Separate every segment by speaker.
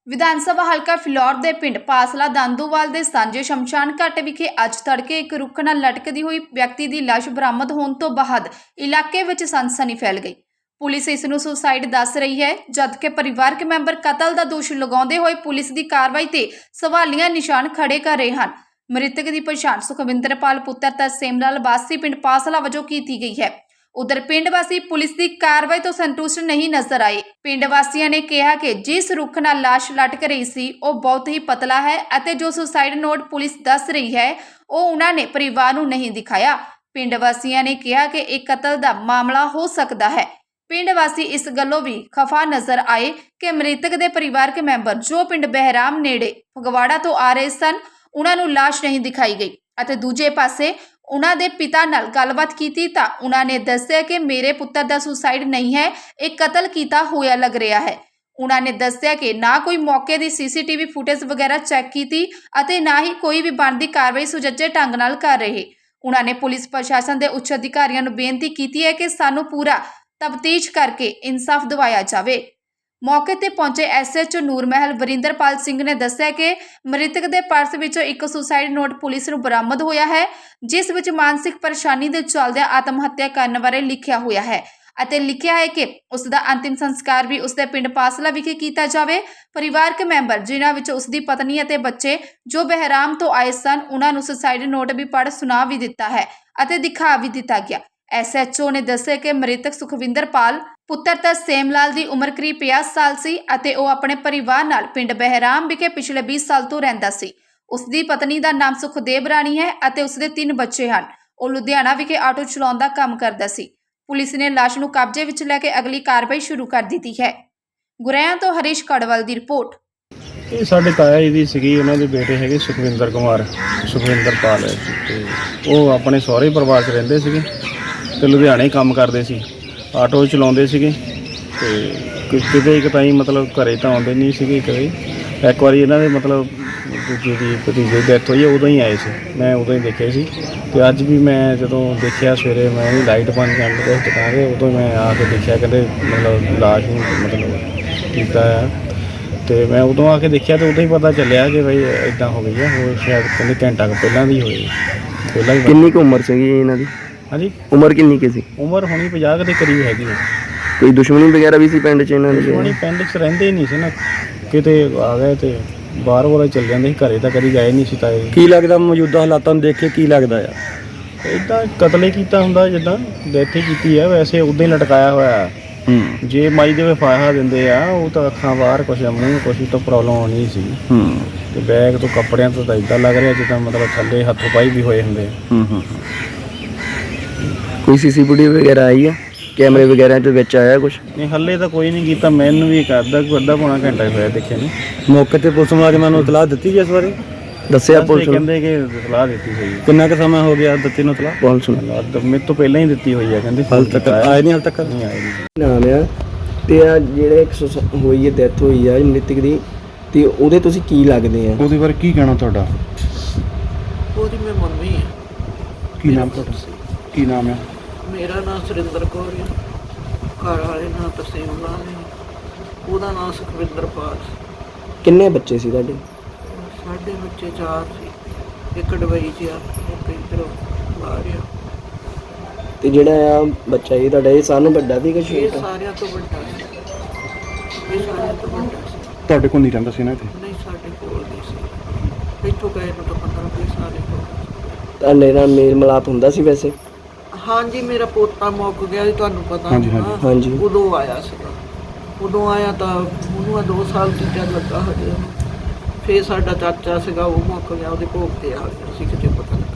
Speaker 1: ਵਿਧਾਨ ਸਭਾ ਹਲਕਾ ਫਿਲੌਰ ਦੇ ਪਿੰਡ ਪਾਸਲਾ ਦਾਂਦੂਵਾਲ ਦੇ ਸਾਂਝੇ ਸ਼ਮਸ਼ਾਨ ਘਾਟ ਵਿਖੇ ਅੱਜ ਤੜਕੇ ਇੱਕ ਰੁੱਖ ਨਾਲ ਲਟਕਦੀ ਹੋਈ ਵਿਅਕਤੀ ਦੀ ਲਾਸ਼ ਬਰਾਮਦ ਹੋਣ ਤੋਂ ਬਾਅਦ ਇਲਾਕੇ ਵਿੱਚ ਸਨਸਨੀ ਫੈਲ ਗਈ। ਪੁਲਿਸ ਇਸ ਨੂੰ ਸੁਸਾਈਡ ਦੱਸ ਰਹੀ ਹੈ, ਜਦਕਿ ਪਰਿਵਾਰਕ ਮੈਂਬਰ ਕਤਲ ਦਾ ਦੋਸ਼ ਲਗਾਉਂਦੇ ਹੋਏ ਪੁਲਿਸ ਦੀ ਕਾਰਵਾਈ ਤੇ ਸਵਾਲੀਆ ਨਿਸ਼ਾਨ ਖੜੇ ਕਰ ਰਹੇ ਹਨ। ਮ੍ਰਿਤਕ ਦੀ ਪਛਾਣ ਸੁਖਵਿੰਦਰਪਾਲ ਪੁੱਤਰ ਤਰਸੇਮ ਲਾਲ ਵਾਸੀ ਪਿੰਡ ਪਾਸਲਾ ਵਜੋਂ ਕੀਤੀ ਗਈ ਹੈ। उधर पिंड वासी पुलिस की कार्रवाई तो संतुष्ट नहीं नजर आए। पिंड वासियों ने कहा कि जिस रुख नाल लाश लटक रही सी वो बहुत ही पतला है अते जो सुसाइड नोट पुलिस दस रही है वो उन्होंने परिवार नूं नहीं दिखाया। पिंड वासियों ने कहा कि एक कतल का मामला हो सकता है। पिंड वासी इस गल्लों भी खफा नजर आए कि मृतक के परिवारक मैंबर जो पिंड बहराम नेड़े फगवाड़ा तो आ रहे सन उन्हां नूं लाश नहीं दिखाई गई अते दूजे पासे उन्हां दे पिता नाल गलबात कीती तां उन्हां ने दस्सिया कि मेरे पुत्तर दा सुसाइड नहीं है, एक कतल कीता होया लग रहा है। उन्हां ने दस्सिया कि ना कोई मौके दी सीसीटीवी फुटेज वगैरह चैक कीती अते ना ही कोई भी बनदी कार्रवाई सुचज्जे ढंग नाल कर रहे। उन्हां ने पुलिस प्रशासन दे उच्च अधिकारियों नूं बेनती कीती है कि सानूं पूरा तफ्तीश करके इंसाफ दिवाया जावे। मौके ते पहुंचे SHO ਨੂਰਮਹਿਲ ਵਰਿੰਦਰਪਾਲ ਸਿੰਘ ने दस्सिया कि मृतक के पर्स विचों एक सुसाइड नोट पुलिस नूं बरामद होया है जिस विच मानसिक परेशानी दे चलदे आत्म हत्या करन बारे लिखिया होया है ਅਤੇ ਲਿਖਿਆ ਹੈ ਕਿ ਉਸ ਦਾ ਅੰਤਿਮ ਸੰਸਕਾਰ ਵੀ ਉਸ ਦੇ ਪਿੰਡ ਪਾਸਲਾ ਵਿਖੇ ਕੀਤਾ ਜਾਵੇ। ਪਰਿਵਾਰਕ ਮੈਂਬਰ ਜਿਨ੍ਹਾਂ ਵਿੱਚ ਉਸ ਦੀ ਪਤਨੀ ਅਤੇ ਬੱਚੇ ਜੋ ਬਹਿਰਾਮ ਤੋਂ ਆਏ ਸਨ ਉਹਨਾਂ ਨੂੰ ਸੁਸਾਈਡ ਨੋਟ ਵੀ ਪੜ੍ਹ ਸੁਣਾ ਵੀ ਦਿੱਤਾ ਹੈ ਅਤੇ ਦਿਖਾ ਵੀ ਦਿੱਤਾ ਗਿਆ। SHO ने दस्सिया कि मृतक सुखविंदरपाल पुत्र तरसेम लाल की उम्र करीब 50 साल सी अते वो अपने परिवार नाल पिंड बहराम विखे पिछले 20 साल तो रहिंदा सी। उसकी पत्नी का नाम सुखदेव राणी है अते उसके 3 बच्चे हैं। वो लुधियाना विखे आटो चलाउण दा काम करदा सी। पुलिस ने लाश नूं कब्जे विच लैके अगली कार्रवाई शुरू कर दी है। गुरैया तो हरीश कड़वल की रिपोर्ट।
Speaker 2: ਇਹ ਸਾਡੇ ਤਾਇਆ ਜੀ ਦੀ ਸੀਗੀ, ਉਹਨਾਂ ਦੇ ਬੇਟੇ ਹੈਗੇ ਸੁਖਵਿੰਦਰ ਕੁਮਾਰ ਸੁਖਵਿੰਦਰਪਾਲ ਤੇ ਉਹ ਆਪਣੇ ਸਹੁਰੇ ਪਰਿਵਾਰ 'ਚ ਰਹਿੰਦੇ ਸੀਗੇ ਤੇ ਲੁਧਿਆਣੇ ਕੰਮ ਕਰਦੇ ਸੀ, ਆਟੋ ਚਲਾਉਂਦੇ ਸੀਗੇ ਤੇ ਕਿਤੇ ਇੱਕ ਤਾਈ ਮਤਲਬ ਘਰੇ ਤਾਂ ਆਉਂਦੇ ਨਹੀਂ ਸੀਗੇ। ਕਦੇ ਇੱਕ ਵਾਰੀ ਇਹਨਾਂ ਦੇ ਮਤਲਬ ਦੂਜੀ ਦੀ ਭਤੀਜੇ ਦੀ ਡੈਥ ਹੋਈ ਉਦੋਂ ਹੀ ਆਏ ਸੀ, ਮੈਂ ਉਦੋਂ ਹੀ ਦੇਖੇ ਸੀ ਤੇ ਅੱਜ ਵੀ ਮੈਂ ਜਦੋਂ ਦੇਖਿਆ ਸਵੇਰੇ ਮੈਂ ਵੀ ਲਾਈਟ ਬੰਦ ਕਰਨ ਲੱਗਾ ਦੁਕਾਨ 'ਤੇ ਉਦੋਂ ਮੈਂ ਆ ਕੇ ਦੇਖਿਆ ਕਹਿੰਦੇ ਮਤਲਬ ਲਾਸ਼ ਨੂੰ ਮਤਲਬ ਕੀਤਾ ਆ ਤੇ ਮੈਂ ਉਦੋਂ ਆ ਕੇ ਦੇਖਿਆ ਤੇ ਉਦੋਂ ਹੀ ਪਤਾ ਚੱਲਿਆ ਕਿ ਬਈ ਇਦਾਂ ਹੋ ਗਈ ਆ। ਹੋਰ ਸ਼ਾਇਦ ਕਹਿੰਦੇ ਘੰਟਾ ਕੁ ਪਹਿਲਾਂ ਦੀ ਹੋਈ ਪਹਿਲਾਂ ਹੀ।
Speaker 3: ਕਿੰਨੀ ਕੁ ਉਮਰ ਸੀਗੀ ਇਹਨਾਂ ਦੀ?
Speaker 2: ਹਾਂਜੀ,
Speaker 3: ਉਮਰ ਕਿੰਨੀ ਕੁ ਸੀ?
Speaker 2: ਉਮਰ ਹੋਣੀ 50 ਦੇ ਕਰੀਬ ਹੈਗੀ ਹੈ।
Speaker 3: ਕੋਈ ਦੁਸ਼ਮਣੀ ਵਗੈਰਾ ਵੀ ਸੀ ਪਿੰਡ 'ਚ ਇਹਨਾਂ ਦੀ?
Speaker 2: ਦੁਸ਼ਮਣੀ ਪਿੰਡ 'ਚ ਰਹਿੰਦੇ ਹੀ ਨਹੀਂ ਸੀ ਨਾ, ਕਿਤੇ ਆ ਗਏ ਤੇ ਬਾਹਰ ਵਾਲਾ ਚੱਲ ਜਾਂਦੇ ਸੀ, ਘਰੇ ਤਾਂ ਕਦੀ ਗਏ ਨਹੀਂ ਸੀ। ਤਾਂ
Speaker 3: ਕੀ ਲੱਗਦਾ ਮੌਜੂਦਾ ਹਾਲਾਤਾਂ ਨੂੰ ਦੇਖ ਕੇ ਕੀ ਲੱਗਦਾ ਆ?
Speaker 2: ਇੱਦਾਂ ਕਤਲ ਹੀ ਕੀਤਾ ਹੁੰਦਾ, ਜਿੱਦਾਂ ਡੈਥ ਹੀ ਕੀਤੀ ਆ, ਵੈਸੇ ਉੱਦਾਂ ਹੀ ਲਟਕਾਇਆ ਹੋਇਆ। ਜੇ ਮਾਈ ਦੇ ਫਾਹਾ ਦਿੰਦੇ ਆ ਉਹ ਤਾਂ ਅੱਖਾਂ ਬਾਹਰ ਕੁਛ ਮੂੰਹ ਕੁਛ ਤਾਂ ਪ੍ਰੋਬਲਮ ਹੋਣੀ ਸੀ ਤੇ ਬੈਗ ਤੋਂ ਕੱਪੜਿਆਂ ਤੋਂ ਤਾਂ ਇੱਦਾਂ ਲੱਗ ਰਿਹਾ ਜਿੱਦਾਂ ਮਤਲਬ ਥੱਲੇ ਹੱਥੋਂ ਪਾਈ ਵੀ ਹੋਏ ਹੁੰਦੇ।
Speaker 3: ਕੋਈ CCTV ਵਗੈਰਾ ਆਈ ਆ? ਕੈਮਰੇ ਵਗੈਰਾ ਦੇ ਵਿੱਚ ਆਇਆ ਕੁਛ?
Speaker 2: ਨਹੀਂ, ਹੱਲੇ ਤਾਂ ਕੋਈ ਨਹੀਂ ਕੀਤਾ। ਮੈਨੂੰ ਵੀ ਅੱਧਾ ਪੌਣਾ ਘੰਟਾ ਹੋਇਆ ਦੇਖਿਆ ਨਹੀਂ।
Speaker 3: ਮੌਕੇ ਤੇ ਪੁਲਿਸ ਮੁਲਾਜ਼ਮਾਂ ਨੂੰ ਇਤਲਾਹ ਦਿੱਤੀ ਇਸ ਬਾਰੇ? ਦੱਸਿਆ ਪੁਲਿਸ ਨੂੰ?
Speaker 2: ਕਹਿੰਦੇ ਕਿ ਇਤਲਾਹ ਦਿੱਤੀ ਹੋਈ।
Speaker 3: ਕਿੰਨਾ ਕੁ ਸਮਾਂ ਹੋ ਗਿਆ ਦਿੱਤੀ ਨੂੰ ਇਤਲਾਹ? ਪੁਲਿਸ ਨੂੰ
Speaker 2: ਮੇਰੇ ਤੋਂ ਪਹਿਲਾਂ ਹੀ ਦਿੱਤੀ ਹੋਈ ਹੈ, ਕਹਿੰਦੇ
Speaker 3: ਹਾਲ ਤੱਕ ਆਏ ਨਹੀਂ? ਹਾਲ ਤੱਕ
Speaker 2: ਨਹੀਂ ਆਏ ਨਹੀਂ।
Speaker 3: ਨਾਮ ਆ ਤੇ ਆ ਜਿਹੜੇ ਹੋਈ ਹੈ ਡੈਥ ਹੋਈ ਆ ਮ੍ਰਿਤਕ ਦੀ ਤੇ ਉਹਦੇ ਤੁਸੀਂ ਕੀ ਲੱਗਦੇ ਆ?
Speaker 2: ਉਹਦੇ ਬਾਰੇ ਕੀ ਕਹਿਣਾ ਤੁਹਾਡਾ?
Speaker 4: ਉਹਦੀ ਮੈਂ ਮੰਮੀ ਹੈ।
Speaker 2: ਕੀ ਨਾਮ ਤੁਹਾਡਾ? ਕੀ ਨਾਮ ਹੈ?
Speaker 4: ਮੇਰਾ ਨਾਮ ਸੁਰਿੰਦਰ ਕੌਰ ਹੈ, ਘਰ ਵਾਲੇ ਨਾਮ ਤਰਸੇਮ ਲਾਲ ਹੈ, ਉਹਦਾ ਨਾਮ ਸੁਖਵਿੰਦਰਪਾਲ।
Speaker 3: ਕਿੰਨੇ ਬੱਚੇ ਸੀ ਤੁਹਾਡੇ?
Speaker 4: ਸਾਡੇ ਬੱਚੇ 4 ਸੀ, ਇੱਕ ਦੁਬਈ 'ਚ ਆ, ਇੱਕ ਇੱਧਰ ਬਾਹਰ ਆ।
Speaker 3: ਤੇ ਜਿਹੜਾ ਆ ਬੱਚਾ ਇਹ ਤੁਹਾਡਾ ਇਹ ਸਾਨੂੰ ਵੱਡਾ ਵੀ ਕਿ
Speaker 4: ਇਹ
Speaker 3: ਛੋਟਾ?
Speaker 4: ਸਾਰਿਆਂ ਤੋਂ ਵੱਡਾ ਸੀ, ਇਹ ਸਾਰਿਆਂ ਤੋਂ ਵੱਡਾ ਸੀ।
Speaker 2: ਤੁਹਾਡੇ ਕੋਲ ਨਹੀਂ ਰਹਿੰਦਾ ਸੀ ਨਾ ਇੱਥੇ?
Speaker 4: ਨਹੀਂ, ਸਾਡੇ ਕੋਲ ਨਹੀਂ ਸੀ। ਇੱਥੋਂ ਗਏ ਨੂੰ ਤਾਂ 15-20 ਸਾਲ ਹੀ ਹੋ ਗਏ।
Speaker 3: ਤੁਹਾਡੇ ਨਾਲ ਮੇਲ ਮਿਲਾਪ ਹੁੰਦਾ ਸੀ ਵੈਸੇ?
Speaker 4: ਹਾਂਜੀ, ਮੇਰਾ ਪੋਤਾ ਮੁੱਕ ਗਿਆ ਜੀ, ਤੁਹਾਨੂੰ ਪਤਾ
Speaker 2: ਹਾਂਜੀ,
Speaker 4: ਹੋਣਾ।
Speaker 3: ਹਾਂਜੀ।
Speaker 4: ਉਦੋਂ ਆਇਆ ਸੀਗਾ, ਉਦੋਂ ਆਇਆ ਤਾਂ ਉਹਨੂੰ 2 ਸਾਲ ਟੀਚਾ ਲੱਗਾ ਹਜੇ। ਫਿਰ ਸਾਡਾ ਚਾਚਾ ਸੀਗਾ, ਉਹ ਮੁੱਕ ਗਿਆ, ਉਹਦੇ ਭੋਗ ਤੇ ਆ ਗਿਆ ਸੀ, ਕਿਤੇ ਪਤਾ ਲੱਗਾ।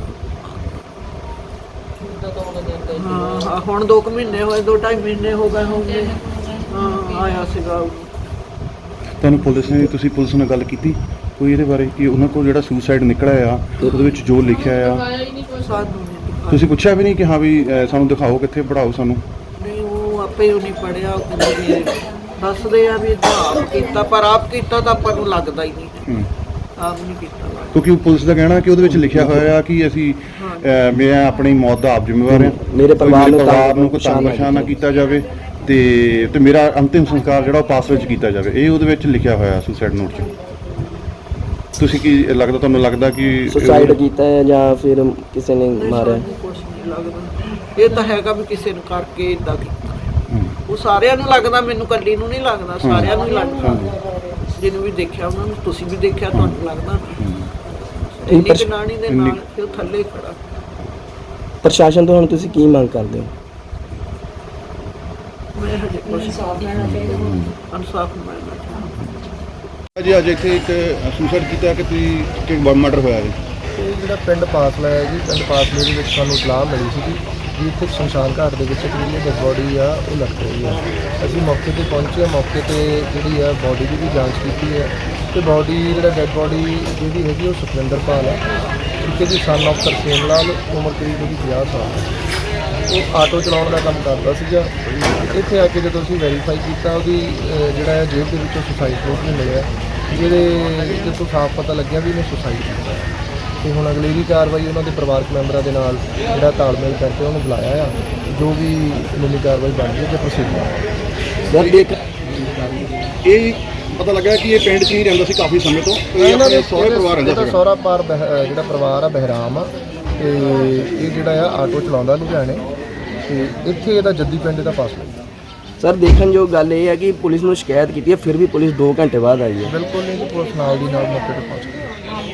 Speaker 4: ਹਾਂ, ਹੁਣ 2 ਮਹੀਨੇ ਹੋਏ, 2-2.5 ਮਹੀਨੇ ਹੋ ਗਏ ਹੋਣਗੇ। ਹਾਂ, ਆਇਆ ਸੀਗਾ।
Speaker 2: ਤੁਹਾਨੂੰ ਪੁਲਿਸ ਨੇ, ਤੁਸੀਂ ਪੁਲਿਸ ਨਾਲ ਗੱਲ ਕੀਤੀ ਕੋਈ ਇਹਦੇ ਬਾਰੇ ਕਿ ਉਹਨਾਂ ਕੋਲ ਜਿਹੜਾ ਸੁਸਾਈਡ ਨਿਕਲਿਆ ਆ ਉਹਦੇ ਵਿੱਚ ਜੋ ਲਿਖਿਆ ਆ
Speaker 4: ਸਾਨੂੰ ਨਹੀਂ ਦਿਖਾਇਆ।
Speaker 2: ਤੁਸੀਂ ਪੁੱਛਿਆ ਵੀ ਨਹੀਂ ਕਿ ਹਾਂ ਵੀ ਸਾਨੂੰ ਦਿਖਾਓ, ਕਿੱਥੇ ਪੜਾਓ ਸਾਨੂੰ?
Speaker 4: ਨਹੀਂ, ਉਹ ਆਪੇ ਉਹ ਨਹੀਂ ਪੜਿਆ। ਉਹ ਕਹਿੰਦੇ ਵੀ ਦੱਸਦੇ ਆ ਵੀ ਆਪ ਕੀਤਾ, ਪਰ ਆਪ ਕੀਤਾ ਤਾਂ ਆਪਾਂ ਨੂੰ ਲੱਗਦਾ ਹੀ ਨਹੀਂ। ਆਪ ਨਹੀਂ ਕੀਤਾ ਲੱਗਦਾ।
Speaker 2: ਕਿਉਂਕਿ ਪੁਲਿਸ ਦਾ ਕਹਿਣਾ ਕਿ ਉਹਦੇ ਵਿੱਚ ਲਿਖਿਆ ਹੋਇਆ ਕਿ ਅਸੀਂ ਮੈਂ ਆਪਣੀ ਮੌਤ ਦਾ ਆਪ ਜ਼ਿੰਮੇਵਾਰ ਹਾਂ,
Speaker 3: ਮੇਰੇ ਪਰਿਵਾਰ ਨੂੰ
Speaker 2: ਕੋਈ ਤੰਗ ਪਰੇਸ਼ਾਨ ਨਾ ਕੀਤਾ ਜਾਵੇ,
Speaker 5: ਤੇ ਮੇਰਾ ਅੰਤਿਮ ਸੰਸਕਾਰ ਜਿਹੜਾ ਉਹ ਪਾਸ ਵਿੱਚ ਕੀਤਾ ਜਾਵੇ, ਇਹ ਉਹਦੇ ਵਿੱਚ ਲਿਖਿਆ ਹੋਇਆ ਸੁਸਾਈਡ ਨੋਟ 'ਚ। ਤੁਸੀਂ ਕੀ ਲੱਗਦਾ, ਤੁਹਾਨੂੰ ਲੱਗਦਾ ਕਿ
Speaker 3: ਸੁਸਾਈਡ ਕੀਤਾ ਹੈ ਜਾਂ ਫਿਰ ਕਿਸੇ ਨੇ ਮਾਰਿਆ?
Speaker 4: ਕੁਛ ਨਹੀਂ ਲੱਗਦਾ, ਇਹ ਤਾਂ ਹੈਗਾ ਵੀ ਕਿਸੇ ਨੂੰ ਕਰਕੇ ਇਦਾਂ ਕੀਤਾ। ਉਹ ਸਾਰਿਆਂ ਨੂੰ ਲੱਗਦਾ, ਮੈਨੂੰ ਕੱਲੀ ਨੂੰ ਨਹੀਂ ਲੱਗਦਾ, ਸਾਰਿਆਂ ਨੂੰ ਹੀ ਲੱਗਦਾ। ਜਿਹਨੂੰ ਵੀ ਦੇਖਿਆ ਉਹਨਾਂ ਨੂੰ, ਤੁਸੀਂ ਵੀ ਦੇਖਿਆ, ਤੁਹਾਨੂੰ ਲੱਗਦਾ ਇੰਨੀ ਜਨਾਨੀ ਦੇ ਨਾਲ ਫਿਰ ਥੱਲੇ ਖੜਾ।
Speaker 3: ਪ੍ਰਸ਼ਾਸਨ ਤੋਂ ਹੁਣ ਤੁਸੀਂ ਕੀ ਮੰਗ ਕਰਦੇ ਹੋ?
Speaker 4: ਮੈਂ ਹਜੇ ਕੁਛ ਇਨਸਾਫ ਮਿਲਣਾ ਚਾਹੁੰਦਾ।
Speaker 5: ਜੀ ਅੱਜ ਇੱਥੇ ਇੱਕ ਸੁਸਾਈਡ ਕੀਤਾ ਕਿ ਤੁਸੀਂ ਮਰਡਰ ਹੋਇਆ ਹੈ?
Speaker 6: ਇਹ ਜਿਹੜਾ ਪਿੰਡ ਪਾਸਲਾ ਹੈ ਜੀ, ਪਿੰਡ ਪਾਸਲੇ ਦੇ ਵਿੱਚ ਸਾਨੂੰ ਇਤਲਾਹ ਮਿਲੀ ਸੀ ਕਿ ਇੱਥੇ ਸ਼ਮਸ਼ਾਨ ਘਾਟ ਦੇ ਵਿੱਚ ਇੱਕ ਜਿਹੜੀ ਡੈਡ ਬੋਡੀ ਆ ਉਹ ਲਟਕ ਰਹੀ ਹੈ। ਅਸੀਂ ਮੌਕੇ ਤੇ ਪਹੁੰਚੇ ਹਾਂ, ਮੌਕੇ ਤੇ ਜਿਹੜੀ ਆ ਬੋਡੀ ਦੀ ਵੀ ਜਾਂਚ ਕੀਤੀ ਹੈ ਤੇ ਬੋਡੀ ਜਿਹੜਾ ਡੈਡ ਬੋਡੀ ਜਿਹੜੀ ਹੈਗੀ ਉਹ ਸੁਖਵਿੰਦਰ ਪਾਲ ਹੈ, ਠੀਕ ਹੈ ਜੀ, ਸਨ ਆਫ ਤਰਸੇਮ ਲਾਲ, ਉਮਰ ਕਰੀਬ ਉਹਦੀ 50 ਸਾਲ ਹੈ। ਉਹ ਆਟੋ ਚਲਾਉਣ ਦਾ ਕੰਮ ਕਰਦਾ ਸੀਗਾ। ਇੱਥੇ ਆ ਕੇ ਜਦੋਂ ਅਸੀਂ ਵੈਰੀਫਾਈ ਕੀਤਾ, ਉਹਦੀ ਜਿਹੜਾ ਹੈ ਜੇਬ ਦੇ ਵਿੱਚੋਂ ਸੁਸਾਈਡ ਨੋਟ ਨਹੀਂ ਮਿਲਿਆ, ਜਿਹਦੇ ਤੋਂ ਸਾਫ਼ ਪਤਾ ਲੱਗਿਆ ਵੀ ਇਹਨੇ ਸੁਸਾਈਡ ਕੀਤਾ। ਤੇ ਹੁਣ ਅਗਲੇਰੀ ਕਾਰਵਾਈ ਉਹਨਾਂ ਦੇ ਪਰਿਵਾਰਕ ਮੈਂਬਰਾਂ ਦੇ ਨਾਲ ਜਿਹੜਾ ਤਾਲਮੇਲ ਕਰਕੇ ਉਹਨੂੰ ਬੁਲਾਇਆ ਆ, ਜੋ ਵੀ ਕਾਨੂੰਨੀ ਕਾਰਵਾਈ ਬਣਦੀ ਹੈ ਤੇ ਪ੍ਰੋਸੀਜਰ।
Speaker 3: ਸਰ ਦੇਖ
Speaker 5: ਇਹ ਪਤਾ ਲੱਗਾ ਕਿ ਇਹ ਪਿੰਡ 'ਚ ਹੀ ਰਹਿੰਦਾ ਸੀ ਕਾਫੀ ਸਮੇਂ ਤੋਂ,
Speaker 6: ਇਹਨਾਂ ਦੇ
Speaker 5: ਸਹੁਰੇ ਪਰਿਵਾਰ ਰਹਿੰਦਾ
Speaker 6: ਇਹਦਾ
Speaker 5: ਸੀ।
Speaker 6: ਸਹੁਰਾ ਜਿਹੜਾ ਪਰਿਵਾਰ ਆ ਬਹਿਰਾਮ ਆ, ਤੇ ਇਹ ਜਿਹੜਾ ਆ ਆਟੋ ਚਲਾਉਂਦਾ ਲੁਧਿਆਣੇ, ਤੇ ਇੱਥੇ ਇਹਦਾ ਜੱਦੀ ਪਿੰਡ ਦਾ ਪਾਸ ਲੱਗਦਾ।
Speaker 3: ਸਰ ਦੇਖਣਯੋਗ ਗੱਲ ਇਹ ਹੈ ਕਿ ਪੁਲਿਸ ਨੂੰ ਸ਼ਿਕਾਇਤ ਕੀਤੀ ਹੈ, ਫਿਰ ਵੀ ਪੁਲਿਸ 2 ਘੰਟੇ ਬਾਅਦ ਆਈ ਹੈ।
Speaker 6: ਬਿਲਕੁਲ ਨਹੀਂ, ਪੁਲਿਸ ਨਾਲ ਦੀ ਨਾਲ ਮੌਕੇ ਤੇ ਪਹੁੰਚ ਗਈ।